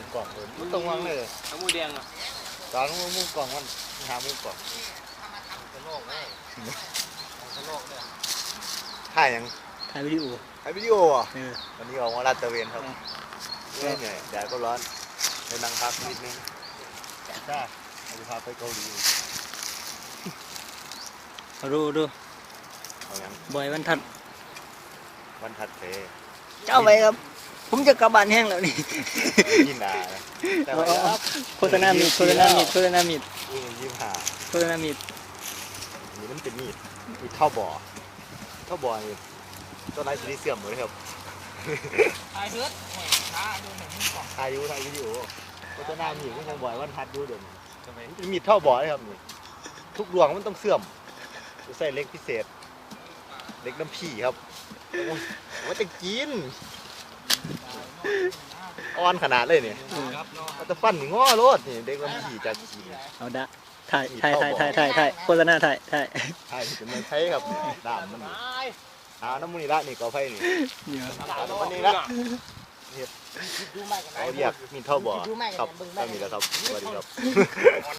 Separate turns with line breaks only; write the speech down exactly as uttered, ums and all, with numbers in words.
กล่องเลยมันต้องวางเลย
เอาหมูแดงอ่ะ
ตอนมุมกล่องมันหามุมกล่อง
กระโลกเลยกระโลกเนี่ย
ถ่ายยัง
ถ่ายวิดีโอ
ถ่ายวิดีโออ่ะ
เออ
วันนี้ออกมาลาดตระเวนครับเหนื่อยแดดก็ร้อนไปนั่งพักนิดนึงจ้าเราพาไปเกาหลี
ดูดู
เอายัง
บอยวันทัด
วันถัดไป
เจ้าไปครับผมจะกลับบ้านแห้งแล้วนี่
ยินดาแต่ว่า
โฆษณามีดโฆษณามีดโฆษณามีด
ยิ้มหา
โฆษณามีด
มีน้ำเป็นมีดมีเท่าบ่อเท่าบ่อนี่ต้นไม้สีเสื่อมหมดเลยครับ
ถ่ายเฮือดถ่ายดูหนังก่อน
ถ่ายดูถ่ายวิดีโอโฆษณามีดก็ยังบ่อยวันทัดดูเดี๋ยวนี้มีดเท่าบ่อเลยครับนี่ทุกดวงมันต้องเสื่อมใส่เล็กพิเศษเล็กน้ำผีครับว่าจะกินอ่อนขนาดเลยเนี่ยมันจะฟันง้อรถนี่เด็กน้ำผีจะกิน
เอาดะถ่ายถ่ายถ่ายถ่ายถ่ายถ่ายโฆษณาถ่ายถ่าย
ถ่ายเป็นมันใช้ครับด่ามมันเอาน้ำมันนี่ละนี่กอไฟนี่เอาน้ำมันนี่ละเอาเรียกมีเท่าบ่อครับก็มีแล้วครับสวัสดีครับ